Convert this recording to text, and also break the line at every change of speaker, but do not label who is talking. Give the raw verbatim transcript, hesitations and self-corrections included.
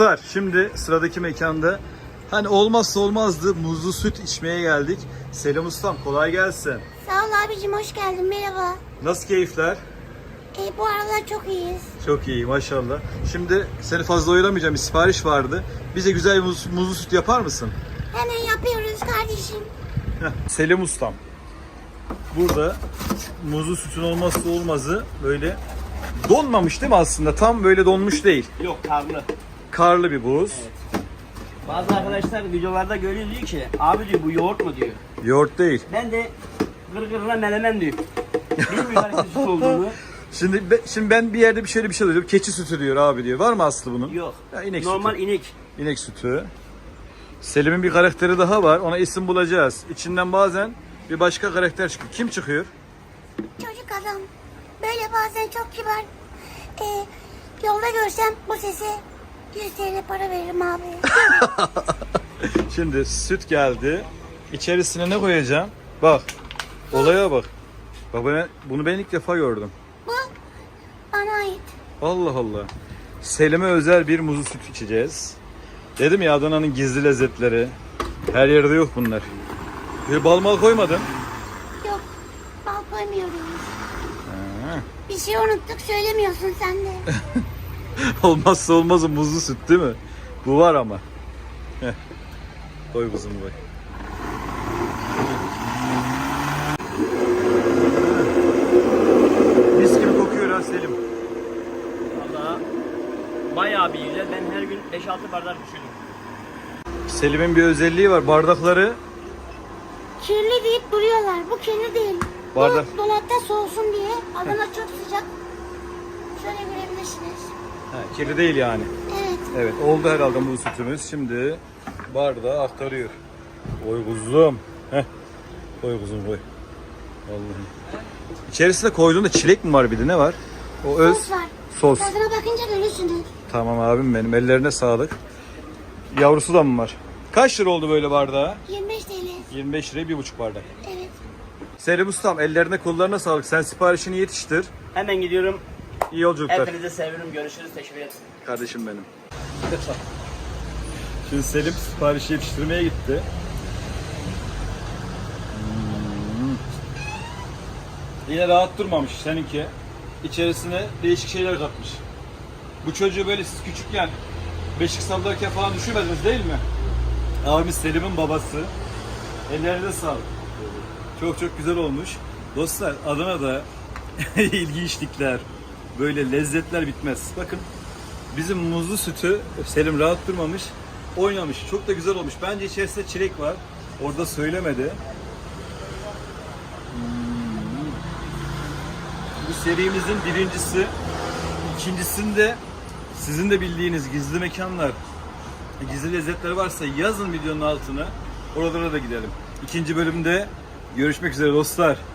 Şimdi sıradaki mekanda hani olmazsa olmazdı muzlu süt içmeye geldik. Selam ustam, kolay gelsin.
Sağ ol abicim, hoş geldin, merhaba.
Nasıl keyifler?
E, bu aralar çok iyiyiz.
Çok iyi maşallah. Şimdi seni fazla oyalamayacağım, bir sipariş vardı. Bize güzel bir muz, muzlu süt yapar mısın?
Hemen yapıyoruz kardeşim.
Heh, Selim ustam. Burada muzlu sütün olmazsa olmazı böyle donmamış değil mi aslında? Tam böyle donmuş değil.
Yok, karlı.
Karlı bir buz.
Evet. Bazı arkadaşlar videolarda görüyor, diyor ki abi diyor bu yoğurt mu diyor.
Yoğurt değil.
Ben de gırgırına menemen diyor. Bilmiyorum süt olduğunu.
Şimdi be- şimdi ben bir yerde bir şöyle bir şey duydum. Keçi sütü diyor abi diyor. Var mı aslı bunun?
Yok.
Ya inek
Normal
sütü.
inek.
İnek sütü. Selim'in bir karakteri daha var. Ona isim bulacağız. İçinden bazen bir başka karakter çıkıyor. Kim çıkıyor?
Çocuk adam. Böyle bazen çok kibar. E, yolda görsem bu sese yüz TL para veririm abi.
Şimdi süt geldi. İçerisine ne koyacağım? Bak. Olaya bak. Bak ben, bunu ben ilk defa gördüm.
Bu bana ait.
Allah Allah. Selim'e özel bir muzlu süt içeceğiz. Dedim ya, Adana'nın gizli lezzetleri. Her yerde yok bunlar. Bir bal mal koymadın.
Yok, bal koymuyoruz.
Ha.
Bir şey unuttuk, söylemiyorsun sen de.
Olmazsa olmazı muzlu süt değil mi? Bu var ama. Heh. Koy kuzum koy. Mis gibi kokuyor ha Selim.
Valla bayağı bir güzel. Ben her gün beş altı bardak içiyorum.
Selim'in bir özelliği var. Bardakları
Kirli deyip duruyorlar. Bu kirli değil.
Bardak.
Bu dolapta soğusun diye. Adana çok sıcak. Şöyle görebilirsiniz.
ha, kirli değil yani.
Evet.
Evet, oldu herhalde bu sütümüz. Şimdi bardağı aktarıyor. Koy kuzum. Heh. Koy kuzum koy. Vallahi. İçerisinde koyduğunda çilek mi var, bir de ne var? O öz
Sos var.
sos.
Tadına bakınca görürsünüz.
Tamam abim benim. Ellerine sağlık. Yavrusu da mı var? Kaç lira oldu böyle bardağa?
yirmi beş TL.
yirmi beş liraya bir buçuk bardak.
Evet.
Selim ustam, ellerine kollarına sağlık. Sen siparişini yetiştir.
Hemen gidiyorum.
İyi yolculuklar.
Hepinize seviyorum. Görüşürüz. Teşekkür ederim.
Kardeşim benim. Şimdi Selim siparişi yetiştirmeye gitti. Hmm. Yine rahat durmamış seninki. İçerisine değişik şeyler katmış. Bu çocuğu böyle siz küçükken beşik sallarken falan düşürmediniz değil mi? Abimiz Selim'in babası. Ellerine sağlık. Çok çok güzel olmuş. Dostlar, Adana'da ilginçlikler, böyle lezzetler bitmez. Bakın bizim muzlu sütü Selim rahat durmamış, oynamış. Çok da güzel olmuş. Bence içerisinde çilek var. Orada söylemedi. Hmm. Bu serimizin birincisi. İkincisinde sizin de bildiğiniz gizli mekanlar, gizli lezzetler varsa yazın videonun altına. Oralara da gidelim. İkinci bölümde görüşmek üzere dostlar.